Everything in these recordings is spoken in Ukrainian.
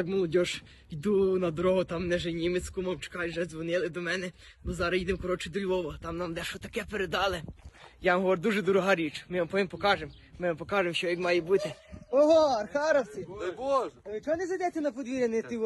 Так, молодіж, йду на дорогу, там не же німець, кумов, чекай, вже дзвонили до мене, бо зараз їдемо, коротше, до Львова, там нам дещо таке передали. Я вам говорю, дуже дорога річ, ми вам потім покажемо, що як має бути. Ого, архаровці! Дай Боже! А ви чого не зайдете на подвір'я,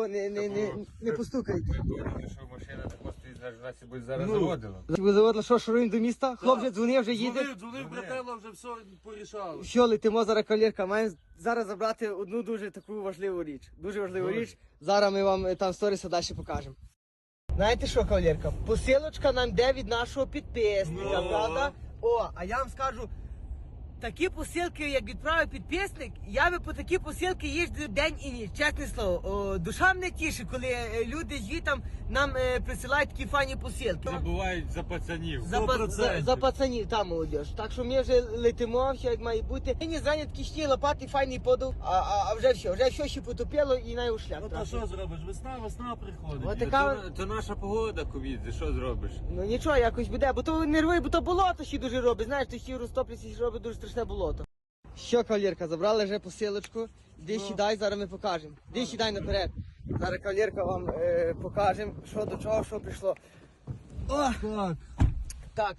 не постукаєте? Що машина так стоїть, нас буде зараз заводила. Ви заводили, що, шуруємо до міста? Хлоп вже дзвонив, вже їде. Дзвонив, братела, вже все порішали. Що, летимо зараз, кавалерка, маємо зараз забрати одну дуже таку важливу річ. Дуже важливу річ. Зараз ми вам там сторіса далі покажемо. Знаєте що, кавалерка? Посилочка нам йде від нашого підписника, правда? О, а я вам скажу, такі посилки, як відправив підписник, я би по такі посилки їжджу день і ніч, чесне слово. О, душа мене тішить, коли люди звітам нам присилають такі файні посилки. Забувають за пацанів. За пацанів, там молодіж. Так що ми вже летимо, все як має бути. Нині зайняті такі шні лопати, файний подув, а вже все ще потопило і най у шлях. Ну та що зробиш? Весна приходить. От така... То наша погода, ковідзе, що зробиш? Ну нічого, якось буде, бо то нерви, бо то болото ще дуже робить. Знаєш, то ще розтоплюється, ще робить дуже страшне болото. Що, кавалерка, забрали вже посилочку. Іди сідай, зараз ми покажемо. Іди сідай наперед. Зараз, кавалерка, вам покажемо, що до чого, що прийшло. О! Так,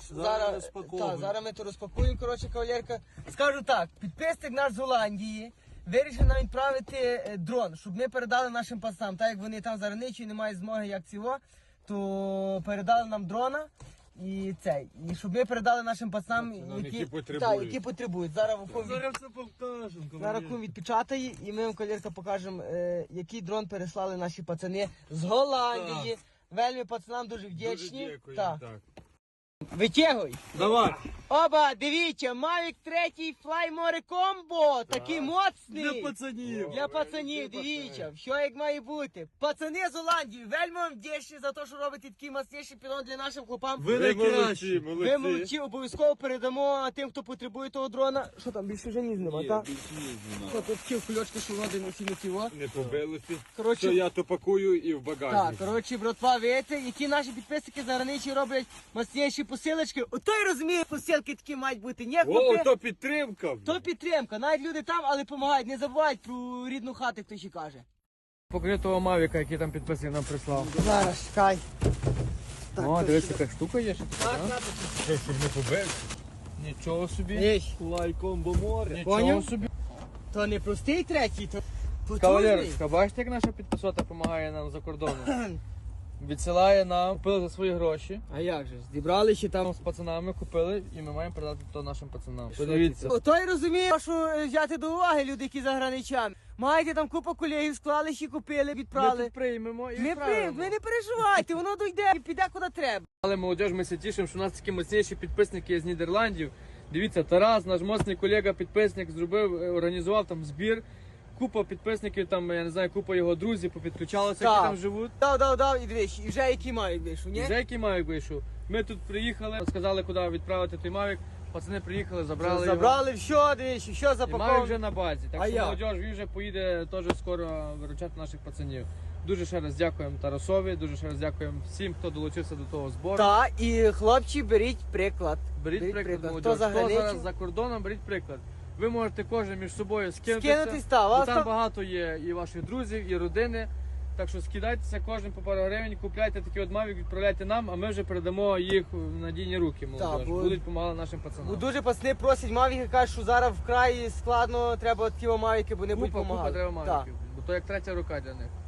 зараз ми то розпакуємо, коротше, кавалерка. Скажу так, підписник наш з Голландії вирішив нам відправити дрон, щоб ми передали нашим пацанам. Так як вони там зараничі не мають змоги як цього, то передали нам дрона. І щоб ми передали нашим пацанам, які потребують. Зараз все покажемо. зараз кум відпечатає і ми вам, кавалерка, покажемо, який дрон переслали наші пацани з Голландії. Вельми пацанам дуже вдячні. Дуже дякую, так. Витягуй. Давай. Оба, дивіться, Mavic 3 Fly More Combo, такий моцний. Для пацанів, дивіться, що як має бути. Пацани з Голландії, вельми вам вдячні за те, що робите такий мощніший підон для нашим хлопам. Ви молодці. Ви молодці, обов'язково передамо тим, хто потребує того дрона. Що там, більше вже ніж нема, так? Що тут ті кульочки, що води не всі не тіло. Не побилися. Коротше, Що я то пакую і в так, багажник. коротше, братва, видите, які наші підписники зараничі роблять мощніші посилочки. Ото й розуміє, посилки такі мають бути. Ні, хлопці, то підтримка. то підтримка. Навіть люди там, але допомагають. Не забувають про рідну хату, хто ще каже. Покажи того Мавіка, який там підписник нам прислав. Зараз, чекай. О, дивись, яка штука є. Що, щоб не побився? Нічого собі. Єй, Лайком бо море. Нічого поняв? собі. то не простий третій, то потужний. Кавалерочка, бачите, як наша підписота допомагає нам за кордоном? Відсилає нам, купили за свої гроші. А як же, зібрали ще там. Там з пацанами купили і ми маємо передати то нашим пацанам. Подивіться. Ото й розуміє, що взяти до уваги люди, які за граничами. Маєте там купу колегів, склали, ще купили, Ми відправили. тут приймемо і Ми відправимо. ви не переживайте, воно дойде і піде куди треба. Але молодіж, ми все тішимо, що у нас такі мощніші підписники з Нідерландів. Дивіться, Тарас, наш моцний колега, підписник, організував там збір. Купа підписників, там, я не знаю, купа його друзів попідключалися, які Так. там живуть. Дав, і дивись, і вже який мають вийшов, ні? Вже який Мавік вийшов. Ми тут приїхали, сказали, куди відправити той Мавік. Пацани приїхали, забрали його. Забрали все, дивись, все І Мавік запаковано. вже на базі. А Так що я? молодіж, він вже поїде теж скоро виручати наших пацанів. Дуже ще раз дякуємо Тарасові, дуже ще раз дякуємо всім, хто долучився до того збору. Так, і хлопці, беріть приклад. Беріть приклад, молодіж. Хто за Хто зараз границю? за кордоном, беріть приклад. Ви можете кожен між собою Скинутись, скинутися. та, Бо вас там там... багато є і ваших друзів, і родини. Так що скидайтеся кожен по пару гривень, купляйте такі от Мавік, відправляйте нам, а ми вже передамо їх в надійні руки, молодіж. бо- Будуть допомагати нашим пацанам. Бо дуже пацани просять мавіки, кажуть, що зараз вкрай складно, треба такі мавіки, бо не будуть Купа допомагати. треба Так. Мавіків, бо то як третя рука для них.